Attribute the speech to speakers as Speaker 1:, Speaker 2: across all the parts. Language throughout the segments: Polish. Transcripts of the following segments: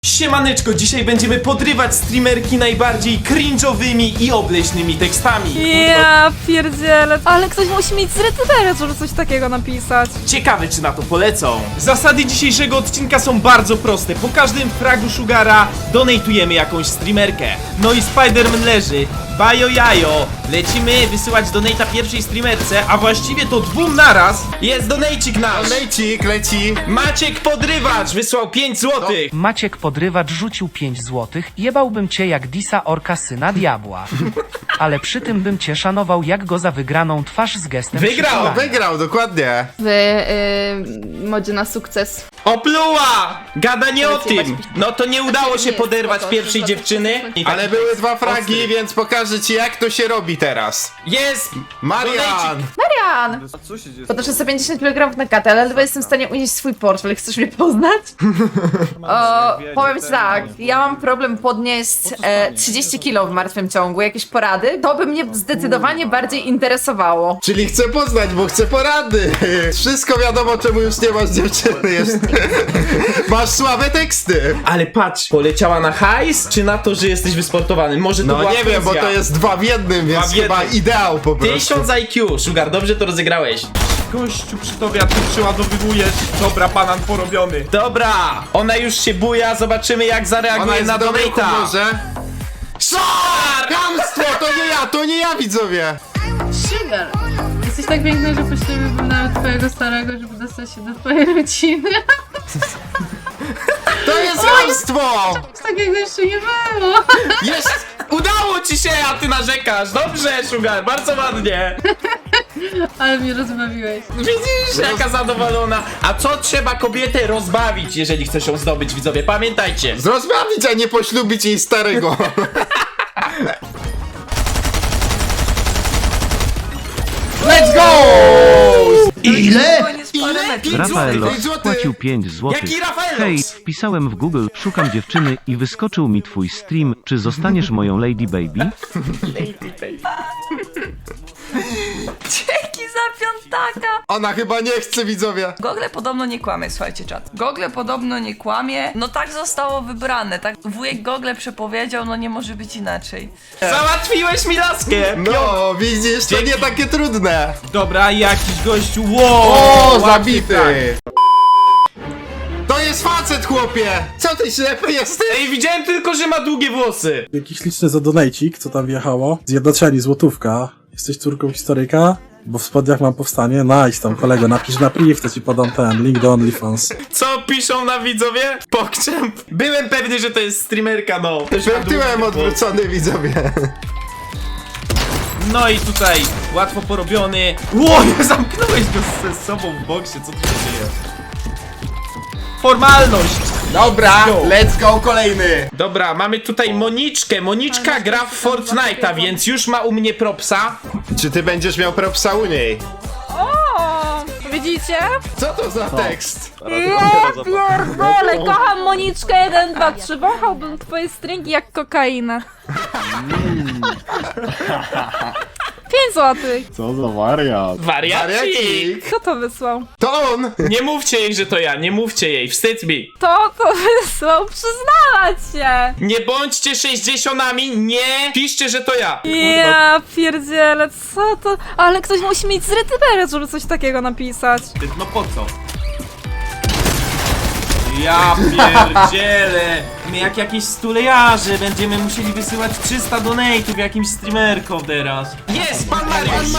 Speaker 1: Siemaneczko, dzisiaj będziemy podrywać streamerki najbardziej cringe'owymi i obleśnymi tekstami.
Speaker 2: Ja pierdzielę, ale ktoś musi mieć zrecyderę, żeby coś takiego napisać.
Speaker 1: Ciekawe, czy na to polecą. Zasady dzisiejszego odcinka są bardzo proste. Po każdym fragu Sugara donatujemy jakąś streamerkę. No i Spiderman leży. Bajo jajo. Lecimy wysyłać donata pierwszej streamerce, a właściwie to dwóm naraz. Jest donajcik nasz.
Speaker 3: Lejcik, leci.
Speaker 1: Maciek Podrywacz wysłał 5 złotych.
Speaker 4: Maciek Podrywacz rzucił 5 złotych. Jebałbym cię jak Disa Orka syna diabła. Ale przy tym bym cię szanował jak go za wygraną twarz z gestem
Speaker 1: Wygrał,
Speaker 4: przytulania.
Speaker 3: Wygrał, dokładnie.
Speaker 2: W modzie na sukces.
Speaker 1: Opluła! Gada nie o
Speaker 2: Powiedz,
Speaker 1: tym.
Speaker 2: jebać-
Speaker 1: No to nie udało się
Speaker 2: Nie,
Speaker 1: poderwać
Speaker 2: spoko,
Speaker 1: pierwszej
Speaker 2: spoko,
Speaker 1: dziewczyny.
Speaker 2: spoko.
Speaker 1: I tak-
Speaker 3: Ale były dwa fragi,
Speaker 1: Ostry.
Speaker 3: więc pokażę ci jak to się robi teraz.
Speaker 1: Jest!
Speaker 3: Marian!
Speaker 1: Donajcik.
Speaker 2: Marian! Podnoszę sobie 50 kg na katę, ale ledwo jestem w stanie unieść swój portfel. Chcesz mnie poznać? Powiem ci tak, ja mam problem podnieść 30 kg w martwym ciągu. Jakieś porady? To by mnie zdecydowanie bardziej interesowało.
Speaker 3: Czyli chcę poznać, bo chcę porady. Wszystko wiadomo, czemu już nie masz dziewczyny jeszcze. Masz słabe teksty.
Speaker 1: Ale patrz, poleciała na hajs, czy na to, że jesteś wysportowany? Może to
Speaker 3: No
Speaker 1: była
Speaker 3: nie wiem, bo
Speaker 1: fuzja.
Speaker 3: to jest 2 w 1, więc
Speaker 1: Dwa w
Speaker 3: chyba
Speaker 1: jednym.
Speaker 3: ideał po prostu.
Speaker 1: 1000 IQ, Sugar, dobrze to rozegrałeś. Gościu przy tobie, a ty przeładowywujesz. Dobra, banan porobiony. Dobra, ona już się buja, zobaczymy jak
Speaker 3: Ona
Speaker 1: zareaguje
Speaker 3: jest
Speaker 1: na
Speaker 3: w dobrym
Speaker 1: donata.
Speaker 3: humorze.
Speaker 1: Szar!
Speaker 3: Kłamstwo, to nie ja widzowie.
Speaker 5: Sugar! Jesteś tak piękna, że poślubiłbym nawet twojego starego, żeby dostać się do twojej rodziny.
Speaker 3: To jest kłamstwo.
Speaker 5: Takiego jeszcze nie było.
Speaker 1: Jest! Udało ci się, a ty narzekasz. Dobrze, Sugar, bardzo ładnie.
Speaker 5: Ale mnie rozbawiłeś.
Speaker 1: Widzisz, jaka zadowolona. A co trzeba kobietę rozbawić, jeżeli chcesz ją zdobyć, widzowie? Pamiętajcie.
Speaker 3: Zrozbawić, a nie poślubić jej starego. Let's go! Ile?
Speaker 1: Ile? 5
Speaker 6: Rafaelo
Speaker 1: złotych.
Speaker 6: wpłacił 5 zł.
Speaker 1: Jaki Rafaelos?
Speaker 6: Hej, wpisałem w Google, szukam dziewczyny i wyskoczył mi twój stream. Czy zostaniesz moją lady baby?
Speaker 7: Dzięki za piątaka!
Speaker 3: Ona chyba nie chce, widzowie.
Speaker 7: Google podobno nie kłamie, słuchajcie czat. Google podobno nie kłamie, no tak zostało wybrane, tak wujek Google przepowiedział, no nie może być inaczej.
Speaker 1: Załatwiłeś mi laskę.
Speaker 3: No, widzisz, to nie takie trudne.
Speaker 1: Dobra, jakiś gościu. Wow,
Speaker 3: O,
Speaker 1: łatwy
Speaker 3: zabity.
Speaker 1: frag.
Speaker 3: To jest facet, chłopie. Co ty ślepy jesteś?
Speaker 1: Ej, widziałem tylko, że ma długie włosy.
Speaker 8: Jakiś liczny za donajcik, co tam wjechało. Zjednoczeni, złotówka. Jesteś córką historyka? Bo w spodniach mam powstanie. Nice tam, kolego, napisz na priv, to ci podam ten link do OnlyFans.
Speaker 1: Co piszą na widzowie? Pokczem. Byłem pewny, że to jest streamerka, no. Też ma
Speaker 3: Byłem tyłem
Speaker 1: długie włosy.
Speaker 3: odwrócony, widzowie.
Speaker 1: No i tutaj łatwo porobiony. Ło, zamknąłeś go ze sobą w boksie, co tu się dzieje? Formalność!
Speaker 3: Dobra,
Speaker 1: Go.
Speaker 3: let's go, kolejny.
Speaker 1: Dobra, mamy tutaj Moniczkę. Moniczka gra w Fortnite'a, więc już ma u mnie propsa.
Speaker 3: Czy ty będziesz miał propsa u niej?
Speaker 2: O, widzicie?
Speaker 3: Co to za tekst?
Speaker 2: Ja pierdolę, kocham Moniczkę 1, 2, 3. Wąchałbym twoje stringi jak kokainę. 5 złotych.
Speaker 1: Wariacik!
Speaker 3: Wariacik.
Speaker 2: Kto to wysłał?
Speaker 3: To on.
Speaker 1: Nie mówcie jej, że to ja, nie mówcie jej, wstyd mi.
Speaker 2: To wysłał, przyznawać się.
Speaker 1: Nie bądźcie 60-ami, nie piszcie, że to ja.
Speaker 2: Ja pierdzielę, co to? Ale ktoś musi mieć zrecyderę, żeby coś takiego napisać.
Speaker 1: No po co? Ja pierdzielę! My jak jakieś stulejarze będziemy musieli wysyłać 300 donate'ów jakimś streamerkom teraz. Jest, pan Mariusz!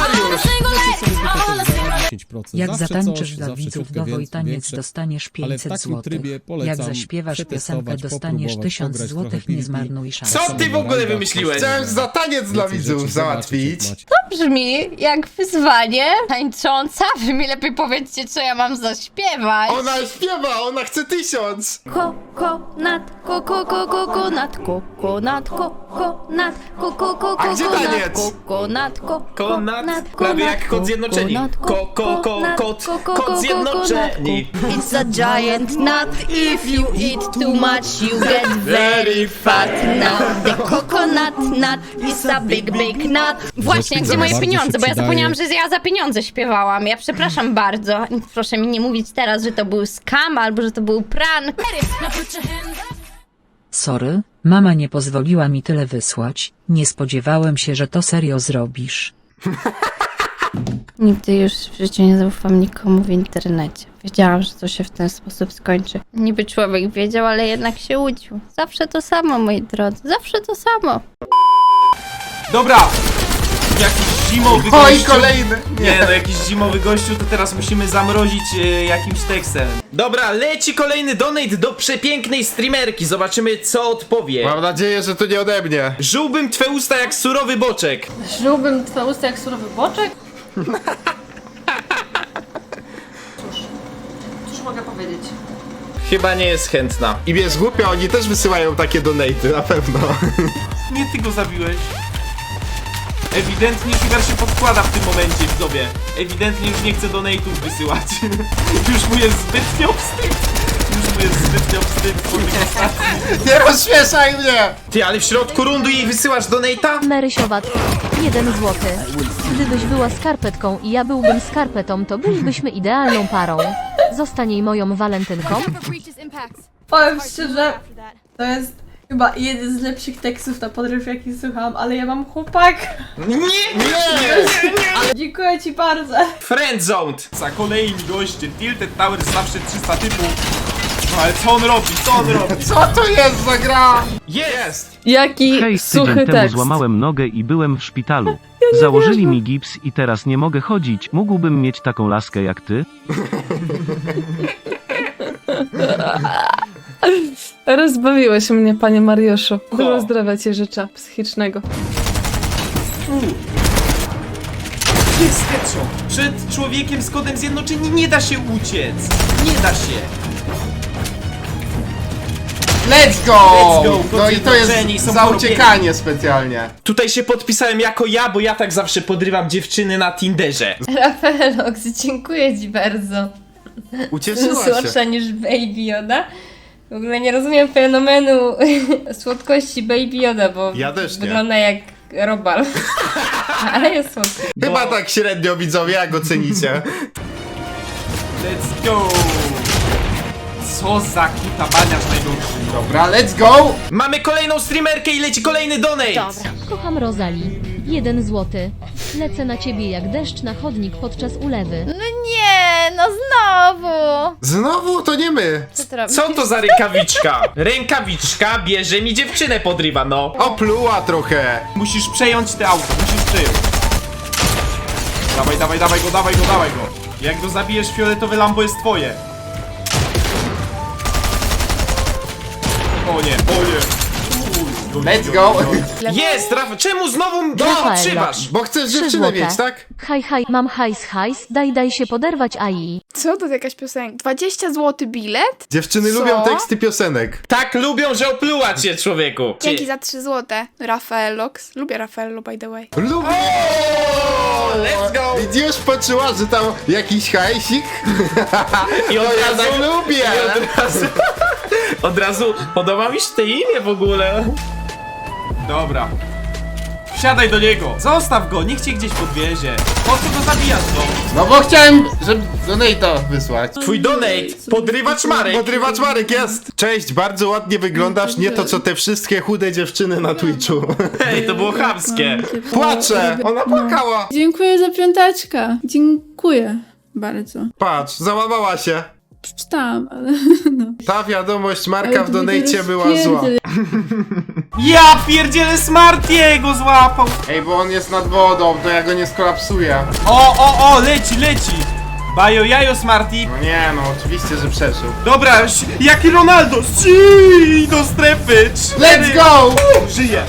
Speaker 9: Jak zatańczysz dla widzów nowo i taniec dostaniesz 500 zł. Jak zaśpiewasz piosenkę dostaniesz 1000 zł, nie zmarnuj szansy.
Speaker 1: Co ty w ogóle wymyśliłeś?
Speaker 3: Chciałem za taniec dla widzów załatwić.
Speaker 10: Brzmi jak wyzwanie tańcząca. Wy mi lepiej powiedzcie, co ja mam zaśpiewać.
Speaker 3: Ona śpiewa, ona chce 1000.
Speaker 10: Kokonat, kokonat, kokonat, kokonat,
Speaker 3: A gdzie taniec?
Speaker 10: kokonat,
Speaker 1: Konat, prawie jak kod zjednoczeni. Kod zjednoczeni.
Speaker 10: It's a giant nut. If you eat too much, you get very fat. Now the coconut nut is a big, big nut. Właśnie, gdzie moje pieniądze? Bo ja zapomniałam, że ja za pieniądze śpiewałam. Ja przepraszam bardzo. Proszę mi nie mówić teraz, że to był scam albo że to był prank.
Speaker 9: Sorry, mama nie pozwoliła mi tyle wysłać, nie spodziewałem się, że to serio zrobisz.
Speaker 10: Nigdy już w życiu nie zaufam nikomu w internecie. Wiedziałam, że to się w ten sposób skończy. Niby człowiek wiedział, ale jednak się łudził. Zawsze to samo, moi drodzy, zawsze to samo.
Speaker 1: Dobra! Jakiś zimowy
Speaker 3: Oj,
Speaker 1: gościu.
Speaker 3: kolejny!
Speaker 1: Nie no, jakiś zimowy gościu, to teraz musimy zamrozić jakimś tekstem. Dobra, leci kolejny donate do przepięknej streamerki. Zobaczymy, co odpowie.
Speaker 3: Mam nadzieję, że to nie ode mnie.
Speaker 1: Żułbym twe usta jak surowy boczek.
Speaker 5: Żułbym twoje usta jak surowy boczek? Cóż mogę powiedzieć?
Speaker 1: Chyba nie jest chętna.
Speaker 3: I wiesz, głupio, oni też wysyłają takie donaty, na pewno.
Speaker 1: Nie ty go zabiłeś. Ewidentnie Sugar się podkłada w tym momencie, widzowie. Ewidentnie już nie chce donate'ów wysyłać. Już mu jest zbytnio wstyd. Już mu jest zbytnio wstyd po tych ostatnich.
Speaker 3: Nie rozśmieszaj mnie!
Speaker 1: Ty, ale w środku rundu jej wysyłasz donate'a?
Speaker 10: Marysiowatko, 1 złoty. Gdybyś była skarpetką i ja byłbym skarpetą, to bylibyśmy idealną parą. Zostań jej moją walentynką.
Speaker 5: Powiem szczerze, to jest chyba jeden z lepszych tekstów na podryw, jaki słucham, ale ja mam chłopak.
Speaker 1: Nie!
Speaker 5: Dziękuję ci bardzo.
Speaker 1: Friendzoned! Za kolejni goście, Tilted Tower zawsze 300 typów. No ale co on robi? Co on robi?
Speaker 3: Co to jest za gra?
Speaker 1: Jest!
Speaker 5: Jaki
Speaker 6: Hej, tydzień temu złamałem nogę i byłem w szpitalu. Założyli mi gips i teraz nie mogę chodzić. Mógłbym mieć taką laskę jak ty?
Speaker 5: Rozbawiłeś mnie, panie Mariuszu.
Speaker 1: Dużo
Speaker 5: zdrowia ci życzę psychicznego.
Speaker 1: Jest headshot! Przed człowiekiem z kodem zjednoczeni nie da się uciec! Nie da się!
Speaker 3: Let's go!
Speaker 1: Let's go,
Speaker 3: No i to jest
Speaker 1: zjednoczeni są
Speaker 3: za
Speaker 1: porobieni.
Speaker 3: uciekanie specjalnie.
Speaker 1: Tutaj się podpisałem jako ja, bo ja tak zawsze podrywam dziewczyny na Tinderze.
Speaker 10: Rafaelox, dziękuję ci bardzo.
Speaker 3: Ucieszyła się.
Speaker 10: Słodsza niż Baby Yoda. W ogóle nie rozumiem fenomenu słodkości Baby Yoda, bo
Speaker 3: Ja też nie.
Speaker 10: wygląda jak robal. Ale jest słodki.
Speaker 3: Chyba tak średnio, widzowie, jak ocenicie.
Speaker 1: Let's go! Co za kuta baniarz najgorszy.
Speaker 3: Dobra, let's go!
Speaker 1: Mamy kolejną streamerkę i leci kolejny donate!
Speaker 10: Dobra. Kocham Rozali. 1 złoty. Lecę na ciebie jak deszcz na chodnik podczas ulewy. No nie, no znowu!
Speaker 3: Znowu to nie my.
Speaker 10: Co ty robisz?
Speaker 1: Co to za rękawiczka? Rękawiczka bierze mi dziewczynę podrywa, no.
Speaker 3: Opluła trochę.
Speaker 1: Musisz przejąć te auto, musisz przejąć. Dawaj, dawaj, dawaj go, dawaj go, dawaj go. Jak go zabijesz, fioletowe Lambo jest twoje. O nie, o nie.
Speaker 3: Let's go!
Speaker 1: Jest, Rafa, czemu znowu mnie
Speaker 10: Rafaela.
Speaker 1: otrzymasz?
Speaker 3: Bo chcesz
Speaker 10: 3
Speaker 3: dziewczynę
Speaker 10: złote.
Speaker 3: mieć, tak?
Speaker 10: Haj, mam hajs, daj się poderwać AI.
Speaker 11: Co to za jakaś piosenka? 20 zł bilet?
Speaker 3: Dziewczyny
Speaker 11: Co?
Speaker 3: lubią teksty piosenek.
Speaker 1: Tak lubią, że opluła cię, człowieku.
Speaker 11: Dzięki za 3 zł. Rafaelox. Lubię Rafaello, by the way.
Speaker 3: Lubię!
Speaker 1: Let's go!
Speaker 3: Widzisz, poczuła, że tam jakiś hajsik?
Speaker 1: I od
Speaker 3: To ja
Speaker 1: razu,
Speaker 3: tak lubię!
Speaker 1: i od razu podoba mi się te imię w ogóle. Dobra. Wsiadaj do niego. Zostaw go, niech cię gdzieś podwiezie. Po co go zabijasz, no?
Speaker 3: No bo chciałem, żeby donate'a wysłać.
Speaker 1: Twój donate, podrywacz Marek.
Speaker 3: Podrywacz Marek jest! Cześć, bardzo ładnie wyglądasz, nie to co te wszystkie chude dziewczyny na Twitchu.
Speaker 1: Ej, to było chamskie.
Speaker 3: Płaczę! Ona płakała!
Speaker 5: Dziękuję za piąteczkę. Dziękuję bardzo.
Speaker 3: Patrz, załamała się.
Speaker 5: Przeczytałam, ale
Speaker 3: Ta wiadomość Marka
Speaker 5: Ale
Speaker 3: w
Speaker 5: to
Speaker 3: donate była
Speaker 5: rozpierdziel.
Speaker 3: zła.
Speaker 1: Ja pierdzielę, Smartiego złapał.
Speaker 3: Ej, bo on jest nad wodą, to ja go nie skolapsuję.
Speaker 1: O, leci, leci. Bajo jajo, Smarty.
Speaker 3: No nie no, oczywiście, że przeżył.
Speaker 1: Dobra, jaki Ronaldo. Ściii, do strefy.
Speaker 3: Let's go!
Speaker 1: Żyje.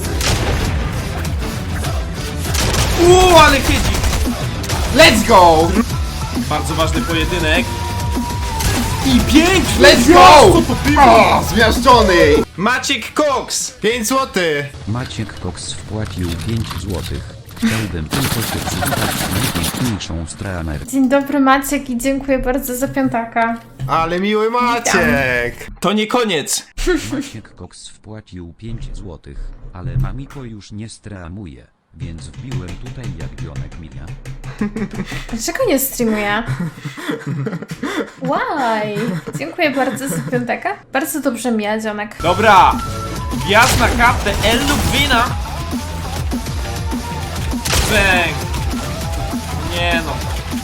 Speaker 1: Ale siedzi.
Speaker 3: Let's go!
Speaker 1: Bardzo ważny pojedynek. I piękny!
Speaker 3: Let's go! O, zmiażdżony!
Speaker 1: Maciek Cox!
Speaker 3: 5 zł!
Speaker 12: Maciek Cox wpłacił 5 złotych. Chciałbym tylko się przywitać z najpiękniejszą streamerką.
Speaker 5: Dzień dobry Maciek i dziękuję bardzo za piątaka.
Speaker 3: Ale miły Maciek!
Speaker 1: To nie koniec.
Speaker 12: Maciek Cox wpłacił 5 złotych, ale Mamiko już nie streamuje, więc wbiłem tutaj jak Bionek Mija.
Speaker 5: Dlaczego nie streamuję? Why? Dziękuję bardzo za piątaka. Bardzo dobrze mija, ziomek.
Speaker 1: Dobra, wjazd na kartę El Lubwina. Bang. Nie no.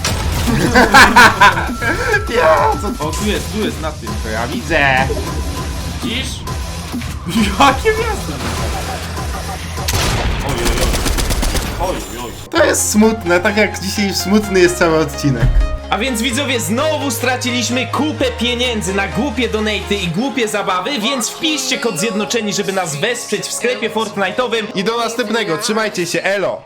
Speaker 1: O, tu jest na tym, to ja widzę. Widzisz? Jakie miasto? Oj.
Speaker 3: To jest smutne, tak jak dzisiaj smutny jest cały odcinek.
Speaker 1: A więc widzowie, znowu straciliśmy kupę pieniędzy na głupie donaty i głupie zabawy, więc wpiszcie kod zjednoczeni, żeby nas wesprzeć w sklepie Fortnite'owym.
Speaker 3: I do następnego, trzymajcie się, elo!